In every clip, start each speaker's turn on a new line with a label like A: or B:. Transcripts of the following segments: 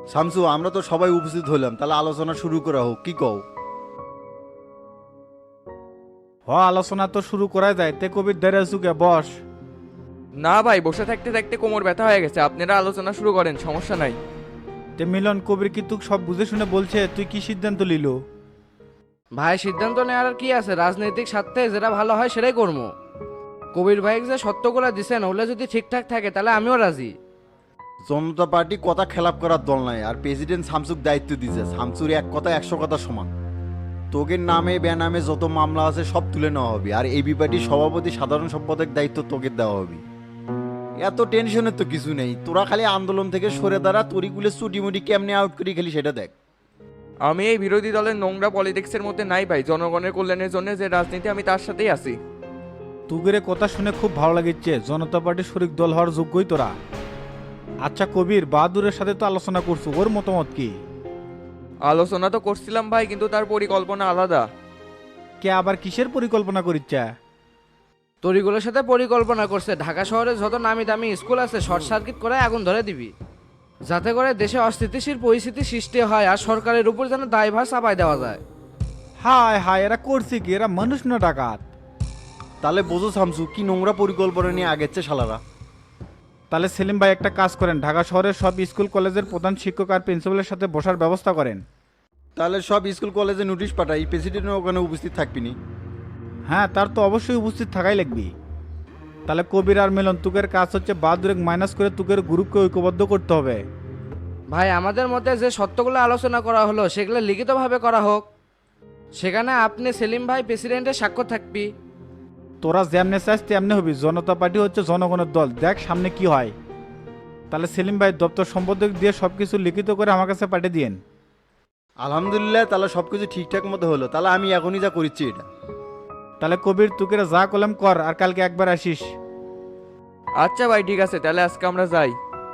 A: শামসু, আমরা তো সবাই উপস্থিত হলাম, তাহলে আলোচনা শুরু করা হোক, কি কও?
B: আলোচনা তো শুরু করা যায়, তে কবির দেরে চুকে বস।
C: না ভাই, বসে থাকতে থাকতে কোমর ব্যথা হয়ে গেছে, আপনারা আলোচনা শুরু করেন, সমস্যা নাই।
B: তে মিলন, কবির কি তুই সব বুঝে শুনে বলছে, তুই কি সিদ্ধান্ত লিল?
D: ভাই সিদ্ধান্ত নেওয়ার আর কি আছে, রাজনৈতিক স্বার্থে যেটা ভালো হয় সেটাই করবো। কবির ভাই যে সত্যগুলা দিছেন ওগুলো যদি ঠিকঠাক থাকে তাহলে আমিও রাজি।
A: জনতা পার্টি কথা খেলাপ করার দল নাই, আর প্রেসিডেন্ট শামসুক দায়িত্ব দিছে। শামসুর এক কথা 100 কথা সমান। তোগের নামে বেনামে যত মামলা আছে সব তুলে নেওয়া হবে, আর এবি পার্টির সভাপতি সাধারণ সম্পাদক দায়িত্ব তোকে দেওয়া হবে। এত টেনশনের তো কিছু নেই, তোরা খালি আন্দোলন থেকে সরে দাঁড়া, তরিগুলো চুটিমুটি কেমনে আউট করি খালি সেটা দেখ।
C: আমি এই বিরোধী দলের নোংরা পলিটিক্সের মধ্যে নাই ভাই, জনগণের কল্যাণের জন্য যে রাজনীতি আমি তার সাথেই আছি।
B: তুগের কথা শুনে খুব ভালো লাগিচ্ছে, জনতা পার্টির শরিক দল হওয়ার যোগ্যই তোরা। আচ্ছা কবির, বাহাদুরের সাথে তো আলোচনা করছো, ওর মতামত কি?
C: আলোচনা তো করছিলাম ভাই, কিন্তু তার পরিকল্পনা আলাদা।
B: কে আবার কিসের পরিকল্পনা করিচ্ছে?
D: তরিগুলোর সাথে পরিকল্পনা করছে ঢাকা শহরে যত নামি দামি স্কুল আছে শর্ট সার্কিট করে আগুন ধরে দিবি, যাতে করে দেশে অস্থিতিশীল পরিস্থিতি সৃষ্টি হয় আর সরকারের উপর যেন দায়ভার চাপাই দেওয়া যায়।
B: হায় হায়, এরা করছে কি? এরা মানুষ না ডাকাত?
A: তাহলে বোঝো শামসু কি নোংরা পরিকল্পনা নিয়ে আগেচ্ছে শালারা।
B: তাহলে সেলিম ভাই একটা কাজ করেন, ঢাকা শহরের সব স্কুল কলেজের প্রধান শিক্ষক আর প্রিন্সিপালের সাথে বসার ব্যবস্থা করেন।
A: তাহলে সব স্কুল কলেজে নোটিশ পাঠাই, প্রেসিডেন্ট ওখানে উপস্থিত থাকবিনি।
B: হ্যাঁ, তার তো অবশ্যই উপস্থিত থাকাই লাগবে। তাহলে কবির আর মিলন, তুকের কাজ হচ্ছে বাহাদুরেক মাইনাস করে তুকের গ্রুপকে ঐক্যবদ্ধ করতে হবে।
D: ভাই আমাদের মধ্যে যে সত্যগুলো আলোচনা করা হলো সেগুলো লিখিতভাবে করা হোক, সেখানে আপনি সেলিম ভাই প্রেসিডেন্টের স্বাক্ষর থাকবি।
B: তোরা যেমনে চাস তেমনি হবি, জনতা পার্টি হচ্ছে জনগণের দল, দেখ সামনে কি হয়। তাহলে সেলিম ভাই দপ্তর সম্পাদক দিয়ে সবকিছু লিখিত করে আমার কাছে পাঠিয়ে দিয়েন।
A: আলহামদুলিল্লাহ, তাহলে সবকিছু ঠিকঠাক মতো হলো। তাহলে আমি এখনই যা করিচ্ছি এটা।
B: তাহলে কবির, তুকেরা যা কলম কর, আর কালকে একবার আসিস।
C: আচ্ছা ভাই, ঠিক আছে, তাহলে আজকে আমরা যাই।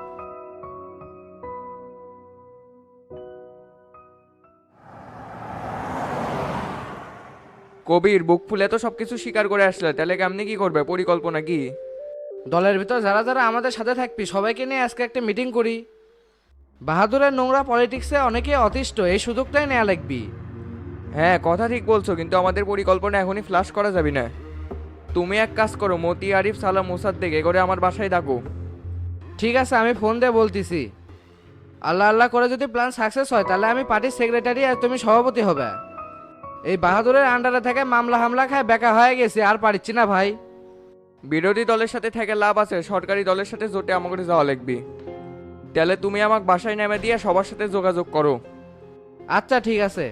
C: কবির, বুক ফুলে তো সবকিছু স্বীকার করে আসলে, তাহলে কেমনি কি করবে, পরিকল্পনা কি?
D: দলের ভিতর যারা যারা আমাদের সাথে থাকবি সবাইকে নিয়ে আজকে একটা মিটিং করি। বাহাদুরের নোংরা পলিটিক্সে অনেকে অতিষ্ঠ, এই সুযোগটাই নেওয়া লাগবি।
C: হ্যাঁ, কথা ঠিক বলছো, কিন্তু আমাদের পরিকল্পনা এখনই ফ্লাশ করা যাবে না। তুমি এক কাজ করো, মতি, আরিফ, সালাম, মোসাদ্দেক এ করে আমার বাসায় ডাকো।
D: ঠিক আছে, আমি ফোন দিয়ে বলতেছি। আল্লাহ আল্লাহ করে যদি প্ল্যান সাকসেস হয় তাহলে আমি পার্টির সেক্রেটারি আর তুমি সভাপতি হবে। এই বাহাদুরের আন্ডারে থেকে মামলা হামলা খায় বেকা হয়ে গেছে, আর পারিচ্ছি না ভাই।
C: বিরোধী দলের সাথে থেকে লাভ আছে, সরকারি দলের সাথে জোটে আমাকে যাওয়া লাগবে। তাহলে তুমি আমাকে বাসায় নেমে দিয়ে সবার সাথে যোগাযোগ করো।
D: আচ্ছা ঠিক আছে।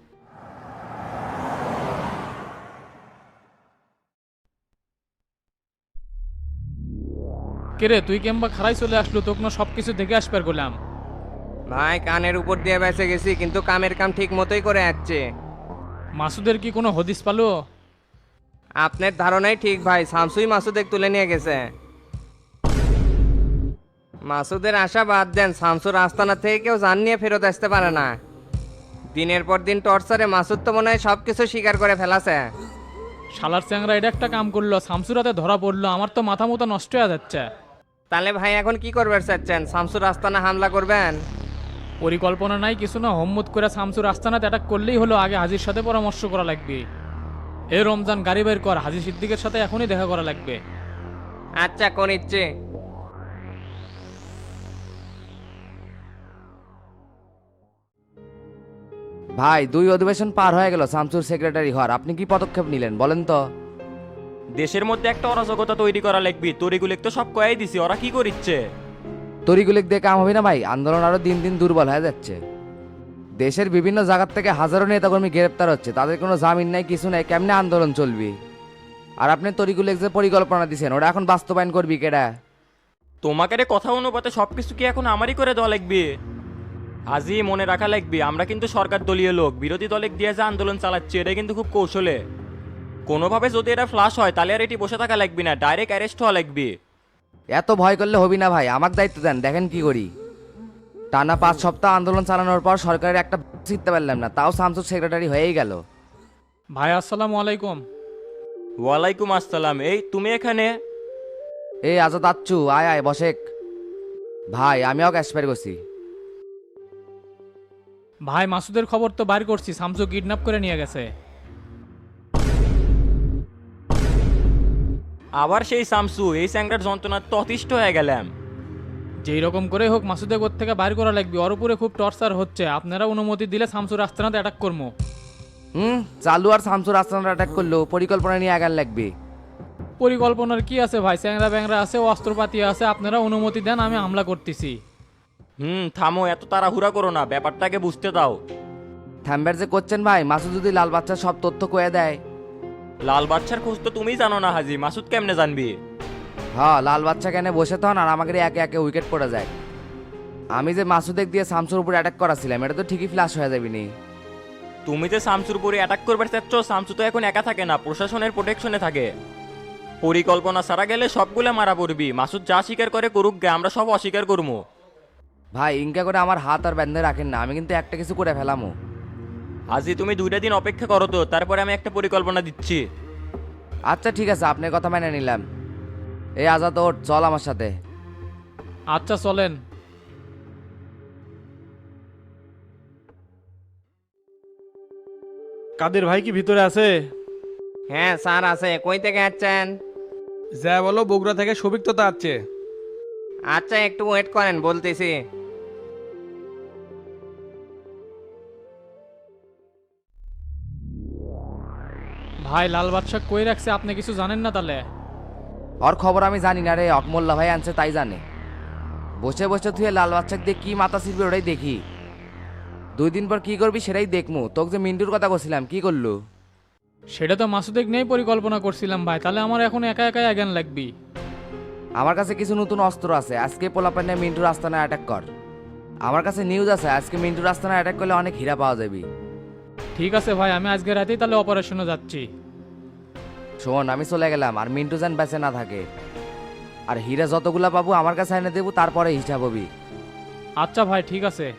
E: কিরে, তুই কেমবা খারাই চলে আসলো, তোকে না সবকিছু দেখে আসবার করলাম।
F: ভাই কানের উপর দিয়ে বেঁচে গেছি, কিন্তু কামের কাম ঠিক মতোই করে যাচ্ছে।
E: মাসুদের কি কোনো হদিস পালো?
F: আপনার ধারণাই ঠিক ভাই, শামসুই মাসুদের তুলে নিয়ে গেছে। মাসুদের আশা বাদ দেন, শামসুর আস্তানা থেকে কেউ জান নিয়ে ফেরত আসতে পারে না। দিনের পর দিন টর্চারে মাসুদ তো মনে হয় সব কিছু স্বীকার করে ফেলাছে।
E: শালার চ্যাংরা এটা একটা কাম করলো, শামসুরাতে ধরা পড়লো, আমার তো মাথা মতো নষ্ট হয়ে যাচ্ছে।
F: তাহলে ভাই এখন কি করবে চাচ্ছেন, শামসুর আস্তানা হামলা করবেন?
E: পরিকল্পনা নাই কিছু না, হম্মত করে শামসুর আস্তানাতে অ্যাটাক করলেই হলো। আগে হাজির সাথে পরামর্শ করা লাগবে। এ রমজান গাড়ি বের কর, হাজি সিদ্দিকের সাথে এখনই দেখা করা লাগবে।
F: আচ্ছা কোন ইচ্ছে।
G: ভাই 2 অধিবেশন পার হয়ে গেল শামসুর সেক্রেটারি হওয়ার, আপনি কি পদক্ষেপ নিলেন বলেন তো?
H: দেশের মধ্যে একটা অরাজকতা তৈরি করা লাগবি, তরিগুলিক তো সব কয়াই দিছি, ওরা কি করিচ্ছে?
G: তরিগুলিক দিয়ে কাম হবে না ভাই, আন্দোলন আরো দিন দিন দুর্বল হয়ে যাচ্ছে। দেশের বিভিন্ন জায়গা থেকে হাজারো নেতাকর্মী গ্রেপ্তার হচ্ছে, তাদের কোনো জামিন নাই কিছু নাই, কেমনে আন্দোলন চলবি? আর আপনি তরিগুলিক যে পরিকল্পনা দিচ্ছেন ওটা এখন বাস্তবায়ন করবি কেডা?
H: তোমাকে রে কথা অনুপাতে সবকিছু কি এখন আমারই করে দেওয়া লাগবে? হাজি মনে রাখা লাগবে, আমরা কিন্তু সরকার দলীয় লোক, বিরোধী দলে দিয়ে যে আন্দোলন চালাচ্ছে এটা কিন্তু খুব কৌশলে। কোনোভাবে যদি এটা ফ্লাশ হয় তাহলে আর এটি বসে থাকা লাগবে না, ডাইরেক্ট অ্যারেস্ট হওয়া লাগবে।
G: এত ভয় করলে হবি না ভাই, আমার দায়িত্ব দেন, দেখেন কি করি। টানা 5 সপ্তাহ আন্দোলন চালানোর পর সরকারের একটা জিততে পারলাম না, তাও শামসুর সেক্রেটারি হয়েই গেল।
E: ভাই আসসালামু আলাইকুম।
H: ওয়ালাইকুম আসসালাম, এই তুমি এখানে?
G: এই আজাদ আচ্ছু, আয় আয় বসেক। ভাই আমিও ক্যাশপের করছি।
E: ভাই মাসুদের খবর তো বাইর করছি, শামসু কিডন্যাপ করে নিয়ে গেছে।
H: আবার সেই শামসু, এই স্যাংরার যন্ত্রণার তো অতিষ্ঠ হয়ে গেলাম।
E: যেই রকম করে হোক মাসুদে থেকে বাইর করা লাগবে, ওর উপরে খুব টর্চার হচ্ছে। আপনারা অনুমতি দিলে শামসুর আস্তানাতে অ্যাটাক করবো।
G: চালু আর শামসুর আস্তানা অ্যাটাক করলো, পরিকল্পনা নিয়ে আগার লাগবে।
E: পরিকল্পনার কি আছে ভাই, স্যাংরা ব্যাংরা আছে, অস্ত্রপাতি আছে, আপনারা অনুমতি দেন, আমি হামলা করতেছি।
H: থামো, এত তাড়াহুড়া করো না, ব্যাপারটাকে বুঝতে দাও।
G: থাম্বার যে করছেন ভাই, মাসুদ যদি লাল বাচ্চার সব তথ্য কয়ে দেয়।
H: লাল বাচ্চার খোঁজ তো তুমিই জানো না হাজি, মাসুদ কেমনে জানবি?
G: হ্যাঁ, লাল বাচ্চা কেন বসে তখন আর আমাকে একে একে উইকেট পড়ে যায়। আমি যে মাসুদেক দিয়ে শামসুর উপর অ্যাটাক করাছিলাম, এটা তো ঠিকই ফ্ল্যাশ হয়ে যাবে নি।
H: তুমি যে শামসুর উপরে অ্যাটাক করবার চাচ্ছ, শামসু তো এখন একা থাকে না, প্রশাসনের প্রোটেকশনে থাকে। পরিকল্পনা সারা গেলে সবগুলো মারা পড়বি। মাসুদ যা স্বীকার করে করুক গে, আমরা সব অস্বীকার করবো।
G: ভাই ইনকা করে আমার হাত আর বেঁধে রাখেন না, আমি কিন্তু একটা কিছু করে ফেলামো।
H: হাজি তুমি 2টা দিন অপেক্ষা করো তো, তারপরে আমি একটা পরিকল্পনা দিচ্ছি।
G: আচ্ছা ঠিক আছে, আপনার কথা মেনে নিলাম। এই আজাদ ওঠ, চল আমার সাথে।
E: আচ্ছা চলেন।
B: কাদের ভাই কি ভিতরে আছে?
F: হ্যাঁ স্যার আছে, কই থেকে আসছেন?
I: যা বলো, বগুড়া থেকে সবিক তো আসছে।
F: আচ্ছা একটু ওয়েট করেন, বলতেছি।
E: ভাই লাল বাদশাহ কই রাখছে, আপনি কিছু জানেন না তাহলে?
G: ওর খবর আমি জানি না রে, অকমোল্লা ভাই আনছে তাই জানে। বসে বসে তুই লাল বাচ্চাকে দিয়ে কি মাথা ছিড়বে ওটাই দেখি। 2 দিন পর কি করবি সেটাই দেখমু। তোকে যে মিন্টুর কথা বলছিলাম, কি করলো?
E: সেটা তো মাসুদেক নিয়েই পরিকল্পনা করছিলাম ভাই, তাহলে আমার এখন একা একাই আগান লাগবি।
G: আমার কাছে কিছু নতুন অস্ত্র আছে, আজকে পোলাপানে মিন্টুর আস্তানায় অ্যাটাক কর। আমার কাছে নিউজ আছে, আজকে মিন্টুর আস্তানায় অ্যাটাক করলে অনেক হীরা পাওয়া যাবে।
E: ঠিক আছে ভাই, আমি আজকে রাতেই তাহলে অপারেশনে যাচ্ছি।
G: শোন, আমি চলে গেলাম, আর মিন্টু যেন বেঁচে না থাকে। আর হীরা যতগুলা পাবো আমার কাছে এনে দেবো, তারপরে হিসাব হবি।
E: আচ্ছা ভাই ঠিক আছে।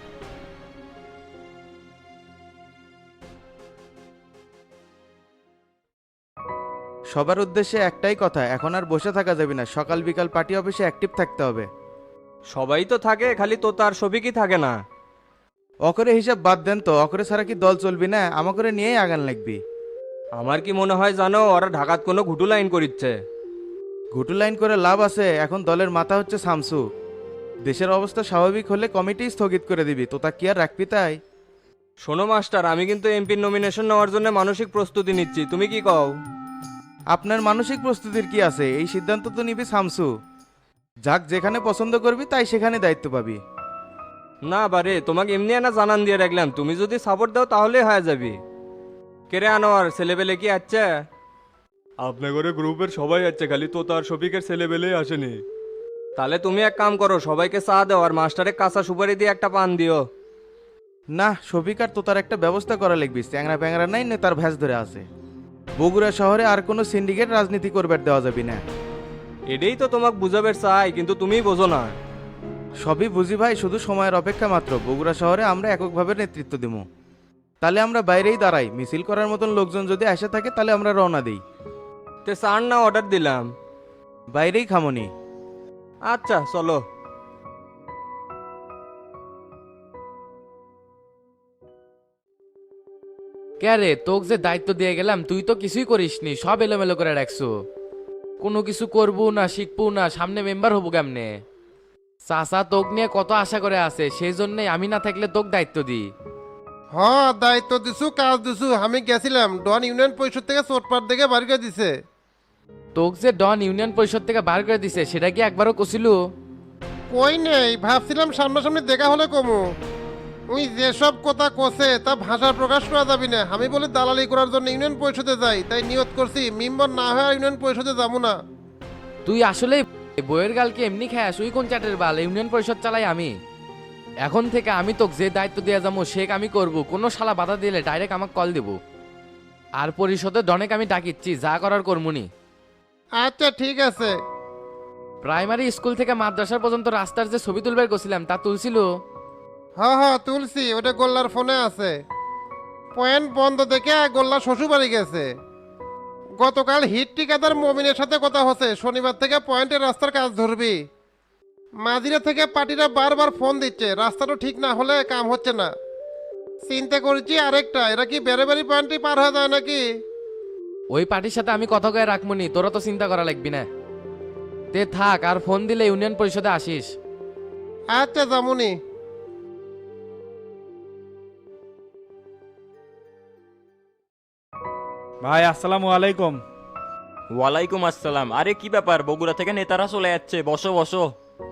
J: সবার উদ্দেশ্যে একটাই কথা, এখন আর বসে থাকা যাবে না, সকাল বিকাল পার্টি অফিসে অ্যাক্টিভ থাকতে হবে।
I: সবাই তো থাকে, খালি তো তার সবিকই থাকে না।
J: অকরে হিসাব বাদ দেন তো, অকরে ছাড়া কি দল চলবি না? আমাকে নিয়েই আগান লাগবি।
I: আমার কি মনে হয় জানো, ওরা ঢাকাত কোনো ঘুটু লাইন করিচ্ছে।
J: ঘুটু লাইন করে লাভ আছে? এখন দলের মাথা হচ্ছে শামসু। দেশের অবস্থা স্বাভাবিক হলে কমিটি স্থগিত করে দিবি, তো তা কি আর রাখবি তাই?
I: শোনো মাস্টার, আমি কিন্তু এমপির নমিনেশন নেওয়ার জন্য মানসিক প্রস্তুতি নিচ্ছি, তুমি কি কও?
J: আপনার মানসিক প্রস্তুতির কি আছে? এই সিদ্ধান্ত তো নিবি শামসু। যাক যেখানে পছন্দ করবি তাই সেখানে দায়িত্ব পাবি।
I: না বারে, তোমাকে এমনি না জানান দিয়ে রাখলাম, তুমি যদি সাপোর্ট দাও তাহলে হয়ে যাবি। কেরে আনোয়ার, ছেলেবেলে কি আছে?
K: আপনাদের গ্রুপের সবাই আছে, খালি তো তার শফিকের ছেলেবেলেই আসেনি।
I: তাহলে তুমি এক কাম করো, সবাইকে চা দাও আর মাস্টারে কাঁচা সুপারি দিয়ে একটা পান দিও।
J: না, শফিক আর তো তার একটা ব্যবস্থা করা লাগবি। চ্যাংরা প্যাংরা নাই, তার ভ্যাস ধরে আছে। বগুড়া শহরে আর কোনো সিন্ডিকেট রাজনীতি করবার দেওয়া যাবে না।
I: এটাই তো তোমাকে বুঝাবের চাই, কিন্তু তুমি বোঝো না।
J: সবই বুঝি ভাই, শুধু সময়ের অপেক্ষা মাত্র। বগুড়া শহরে আমরা এককভাবে নেতৃত্ব দেবো। তাহলে আমরা বাইরেই দাঁড়াই, মিছিল করার মতন লোকজন যদি আসে থাকে তাহলে আমরা রওনা দিই।
I: তে চার না অর্ডার দিলাম?
J: বাইরেই খামনি।
I: আচ্ছা চলো।
D: কে রে, তোকে যে দায়িত্ব দিয়ে গেলাম তুই তো কিছুই করিসনি, সব এলোমেলো করে রাখছো। কোনো কিছু করবো না, শিখবো না, সামনে মেম্বার হবো কেমনে? চাচা তোক নিয়ে কত আশা করে আছে, সেই জন্যই আমি না থাকলে তোকে দায়িত্ব দিই।
L: হ্যাঁ দায়িত্ব দিছু, কাজ দিছু। আমি গেছিলাম, ডন ইউনিয়ন পরিষদ থেকে চোটপাট দেখে বাড়ি করে দিছে।
D: তোকে যে ডন ইউনিয়ন পরিষদ থেকে বার করে দিছে সেটা কি একবারও কছিল?
L: কই নেই, ভাবছিলাম সামনাসামনি দেখা হলে কমু। উই যেসব কথা কছে তা ভাষা প্রকাশ করা যাবি না। আমি বলি দালালি করার জন্য ইউনিয়ন পরিষদে যাই, তাই নিয়ত করছি মেম্বার না হয়ে আর ইউনিয়ন পরিষদে যাবো না।
D: তুই আসলে বইয়ের গালকে এমনি খাস, ওই কোন চাটের বাল? ইউনিয়ন পরিষদ চালাই আমি। এখন থেকে আমি তোকে যে দায়িত্ব দিয়ে যাবো সে আমি করব, কোনো শালা বাধা দিলে ডাইরেক্ট আমাকে কল দেবো। আর পরিষদে ডনেক আমি ডাকিচ্ছি, যা করার করমুনি।
L: আচ্ছা ঠিক আছে।
D: প্রাইমারি স্কুল থেকে মাদ্রাসা পর্যন্ত রাস্তার যে ছবি তুলবার গেছিলাম তা তুলছিল?
L: হ্যাঁ হ্যাঁ তুলসি, ওটা গোল্লার ফোনে আছে। পয়েন্ট বন্ধ দেখে গোল্লা শ্বশুর বাড়ি গেছে। গতকাল হিট ঠিকাদার মমিনের সাথে কথা হচ্ছে, শনিবার থেকে পয়েন্টের রাস্তার কাজ ধরবি। মাঝিরা থেকে পার্টিরা বারবার ফোন দিচ্ছে, রাস্তাটা ঠিক না হলে কাম হচ্ছে না। চিন্তা করছি আরেকটা, এরা কি বেড়ে বাড়ি পয়েন্টে পার হয়ে যায় নাকি?
G: ওই পার্টির সাথে আমি কথা কয়ে রাখবনি, তোরা তো চিন্তা করা লাগবি না। তে থাক, আর ফোন দিলে ইউনিয়ন পরিষদে আসিস।
L: আচ্ছা জামুনি।
B: ভাই আসসালামু আলাইকুম।
H: ওয়ালাইকুম আসসালাম। আরে কি ব্যাপার, বগুড়া থেকে নেতারা চলে যাচ্ছে, বসো বসো।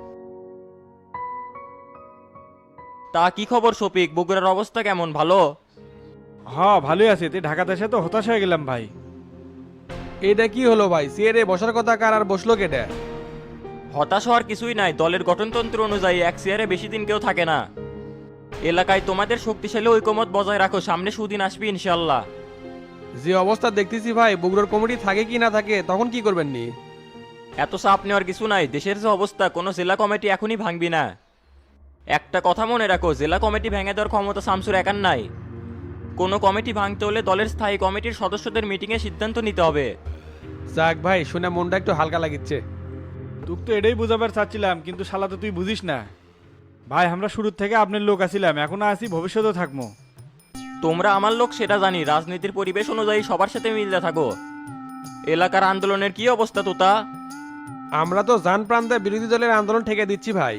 H: তা কি খবর শফিক, বগুড়ার অবস্থা কেমন, ভালো?
B: হ্যাঁ ভালোই আছি, তুই ঢাকাতে এসে তো হতাশ হয়ে গেলাম ভাই।
I: এটা কি হলো ভাই, সিয়ারে বসার কথা কার আর বসলো কেটে?
H: হতাশ হওয়ার কিছুই নাই, দলের গঠনতন্ত্র অনুযায়ী এক চেয়ারে বেশি দিন কেউ থাকে না। এলাকায় তোমাদের শক্তিশালী ঐকমত বজায় রাখো, সামনে সুদিন আসবে ইনশাল্লাহ।
I: যে অবস্থা দেখতেছি ভাই, বগুড়ার কমিটি থাকে কি না থাকে, তখন কি করবেন নি?
H: এত চাপ নেওয়ার কিছু নাই, দেশের যে অবস্থা, কোনো জেলা কমিটি এখনই ভাঙবি না। একটা কথা মনে রাখো, জেলা কমিটি ভেঙে দেওয়ার ক্ষমতা শামসুর একার নাই। কোনো কমিটি ভাঙতে হলে দলের স্থায়ী কমিটির সদস্যদের মিটিংয়ে সিদ্ধান্ত নিতে হবে।
I: যাক ভাই, শুনে মনটা একটু হালকা লাগিচ্ছে।
B: তুই তো এটাই বুঝাবার চাচ্ছিলাম, কিন্তু শালা তো তুই বুঝিস না। ভাই আমরা শুরুর থেকে আপনার লোক আছিলাম, এখনো আছি, ভবিষ্যতেও থাকবো।
H: তোমরা আমার লোক সেটা জানি, রাজনীতির পরিবেশ অনুযায়ী সবার সাথে মিলতে থাকো। এলাকার আন্দোলনের কি অবস্থা তোতা?
I: আমরা তো জান প্রান্তে বিরোধী দলের আন্দোলন ঠেকে দিচ্ছি ভাই।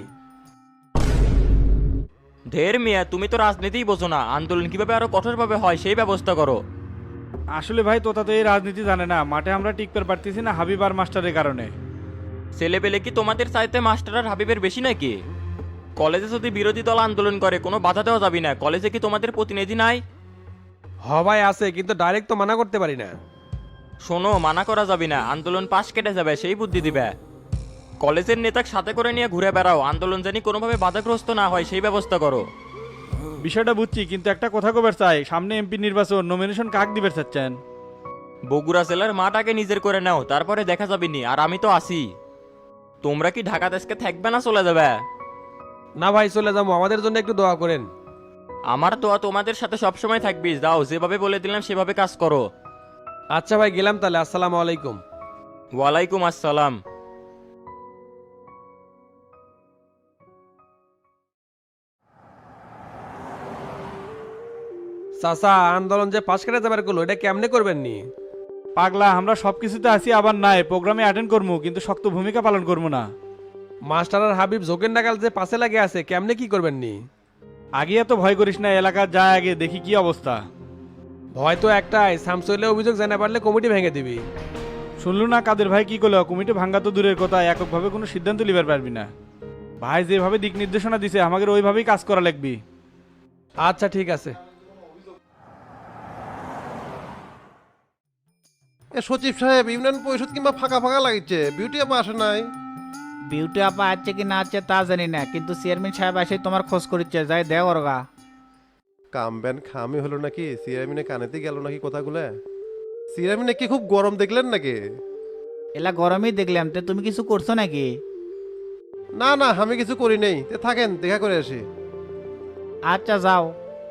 H: ঢের মিয়া, তুমি তো রাজনীতিই বোঝো না, আন্দোলন কিভাবে আরো কঠোরভাবে হয় সেই ব্যবস্থা করো।
B: আসলে ভাই তোতা তো এই রাজনীতি জানে না, মাঠে আমরা টিকতে পারতেছি না হাবিব আর মাস্টারের কারণে।
H: ছেলেপেলে কি তোমাদের চাইতে মাস্টার আর হাবিবের বেশি নাকি? কলেজে যদি বিরোধী দল আন্দোলন করে কোনো বাধা দেওয়া যাবে না, কলেজে কি তোমাদের প্রতিনিধি নাই?
I: হ ভাই আছে, কিন্তু ডাইরেক্ট তো মানা করতে পারি না।
H: শোনো, মানা করা যাবে না, আন্দোলন পাশ কেটে যাবে সেই বুদ্ধি দিবে। কলেজের নেতাকে সাথে করে নিয়ে ঘুরে বেড়াও, আন্দোলন জানি কোনোভাবে বাধাগ্রস্ত না হয় সেই ব্যবস্থা করো।
B: বিষয়টা বুঝছি, কিন্তু একটা কথা কবার চাই, সামনে এমপি নির্বাচন, নমিনেশন কাক দিবে চাচ্ছেন?
H: বগুড়া জেলার মাঠ আগে নিজের করে নাও, তারপরে দেখা যাবে নি, আর আমি তো আছি। তোমরা কি ঢাকা দেশকে থাকবে না চলে যাবে?
I: না ভাই চলে যাবো, আমাদের জন্য একটু দোয়া করেন।
H: আমার তো তোমাদের সাথে সবসময় থাকবি, যাও, যেভাবে বলে দিলাম সেভাবে কাজ করো।
I: আচ্ছা ভাই গেলাম তাহলে, আসসালামু আলাইকুম।
H: ওয়ালাইকুম আসসালাম।
I: চাচা, আন্দোলন যে পাশ কেটে যাবার গুলো, এটা কেমনে করবেন নি?
B: পাগলা, আমরা সব কিছুতে আছি, আবার নাই প্রোগ্রামে অ্যাটেন্ড করবো, কিন্তু শক্ত ভূমিকা পালন করবো না।
I: মাস্টার আর হাবিব জোকের নাগাল যে পাশে লাগে আছে, কেমনে কি করবেন নি?
B: আগে এত ভয় করিস না, এলাকা যায় আগে দেখি কি অবস্থা।
I: ভয় তো একটাই, শামসুলে অভিযোগ জানা পারলে কমিটি ভেঙে দিবি।
B: শুনলু না কাদের ভাই কি করলো, কমিটি ভাঙ্গা তো দূরের কথা, এককভাবে কোনো সিদ্ধান্ত লিবার পারবি না। ভাই যেভাবে দিক নির্দেশনা দিছে আমাদের ওইভাবেই কাজ করা লাগবি।
I: আচ্ছা ঠিক আছে।
L: এ সচিব সাহেব, ইউনিয়ন পরিষদ কিংবা ফাঁকা ফাঁকা লাগছে, বিউটি আপা আসে নাই?
M: বিউটি আপা আছে কি না আছে তা জানি না, কিন্তু চেয়ারম্যান সাহেব এসে তোমার খোঁজ করিচ্ছে, যাই দেও ওরগা।
L: কামবেন খামি হলো নাকি? চেয়ারম্যানে কানেতে গেল নাকি কথাগুলো? চেয়ারম্যানে কি খুব গরম দেখলেন নাকি?
M: এলা গরমই দেখলাম, তে তুমি কিছু করছো নাকি?
L: না না, আমি কিছু করি নেই, তে থাকেন, দেখা করে আসি।
M: আচ্ছা যাও।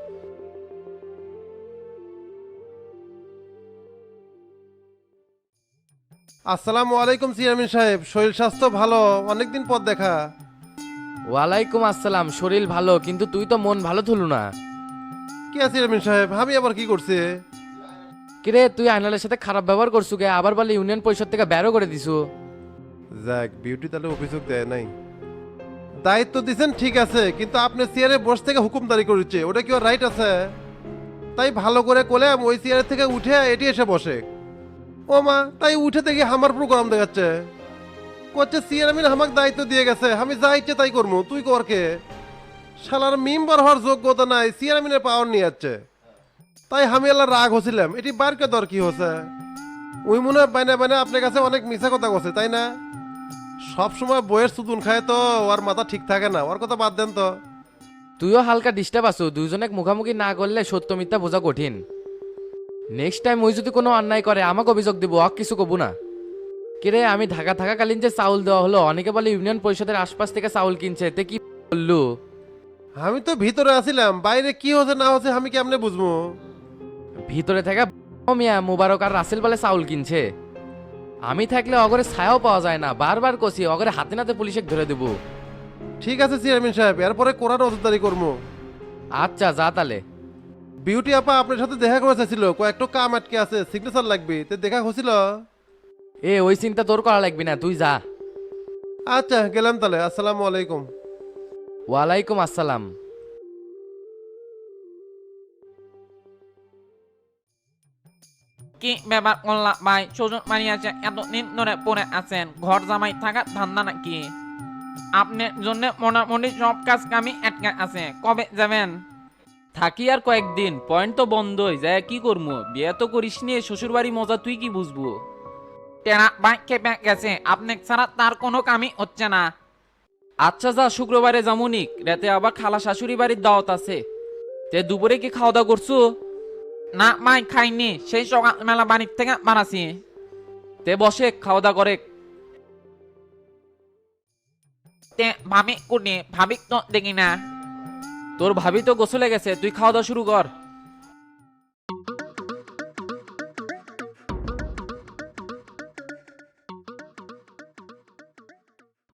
L: আসসালামু আলাইকুম চেয়ারম্যান সাহেব, শরীর স্বাস্থ্য ভালো? অনেকদিন পর দেখা।
G: ওয়ালাইকুম আসসালাম, শরীর ভালো, কিন্তু তুই তো মন ভালো থুলু না।
L: কি আছে চেয়ারম্যান সাহেব, আমি আবার কি করছি?
G: কিরে, তুই আইনালের সাথে খারাপ ব্যবহার করছু কে? আবার বলে ইউনিয়ন পরিষদ থেকে বেরো করে দিছু।
L: যাক, বিউটি তাহলে অভিযোগ দেয় নাই। দায়িত্ব দিছেন ঠিক আছে, কিন্তু আপনি চেয়ারে বসে থেকে হুকুমদারি করেছে, ওটা কি ওর রাইট আছে? তাই ভালো করে কোলে ওই চেয়ারের থেকে উঠে এটি এসে বসে। ও মা, তাই উঠে দেখি আমার প্রোগ্রাম দেখাচ্ছে, করছে চেয়ারম্যান আমাকে দায়িত্ব দিয়ে গেছে, আমি যা ইচ্ছে তাই করবো, তুই করকে। শালার মেম্বার হওয়ার যোগ্যতা নাই, চেয়ারম্যানের পাওয়ার নিয়ে যাচ্ছে। তাই আমি আল্লাহ রাগ হচ্ছিলাম, এটি বারকে দর কি হচ্ছে? ওই মনে হয় বাইনা বাইনা আপনার কাছে অনেক মিশা কথা করছে, তাই না? সব সময় বইয়ের সুতুন খায় তো ওর মাথা ঠিক থাকে না, ওর কথা বাদ দেন তো।
G: তুইও হালকা ডিস্টার্ব আছো, দুইজনে মুখামুখি না করলে সত্য মিথ্যা বোঝা কঠিন। নেক্সট টাইম ওই যদি কোনো অন্যায় করে আমাকে অভিযোগ দিব, অক কিছু কবু না। কিরে, আমি ঢাকা থাকাকালীন যে চাউল দেওয়া হলো, অনেকে বলে ইউনিয়ন পরিষদের আশপাশ থেকে চাউল কিনছে, তে কি বললু?
L: আমি তো ভিতরে আছিলাম, বাইরে কি হচ্ছে না হচ্ছে আমি কেমনে বুঝবো?
G: ভিতরে থাকা মিয়া মুবারক আর রাসেল বলে চাউল কিনছে। আমি থাকলে অগরে ছায়াও পাওয়া যায় না, বারবার কষি অগরে হাতে নাতে পুলিশে ধরে দেবো।
L: ঠিক আছে চেয়ারম্যান সাহেব, এরপরে কোরআন নজরদারি করবো।
G: আচ্ছা যা তালে।
L: বিউটি আপা আপনার সাথে দেখা করা চাইছিল, কয়েকটা কাম আটকে আছে, সিগনেচার লাগবে, তো দেখা হয়েছিল।
G: এ ওই চিন্তা তোর করা লাগবি না, তুই যা।
L: আচ্ছা গেলাম তাহলে, আসসালামু আলাইকুম।
G: ওয়ালাইকুম আসসালাম।
N: কি ব্যাপার মোল্লা ভাই, সুজন মারিয়াছে এতদিন ধরে পড়ে আছেন, ঘর জামাই থাকার ধান্দা নাকি? আপনার জন্য মোটামুটি সব কাজ কামি আটকে আছে, কবে যাবেন?
E: থাকি আর কয়েকদিন, পয়েন্ট তো বন্ধই, যায় কি করবো? বিয়ে তো করিস নিয়ে শ্বশুর বাড়ি মজা তুই কি বুঝবো?
N: টেরা ভাই খেপে গেছে, আপনি ছাড়া তার কোনো কামই হচ্ছে না।
E: আচ্ছা যা, শুক্রবারে যামুনিক, রাতে আবার খালা শাশুড়ি বাড়ির দাওয়াত আছে। তে দুপুরে কি খাওয়া দাওয়া করছো?
N: না ভাই খাইনি, সেই সকালবেলা বাড়ির থেকে বানাছি।
E: তে বসে খাওয়া দাওয়া করে।
N: তে ভাবি কুটি, ভাবি তো দেখি না।
E: তোর ভাবি তো গোসলে গেছে, তুই খাওয়া দাওয়া শুরু কর।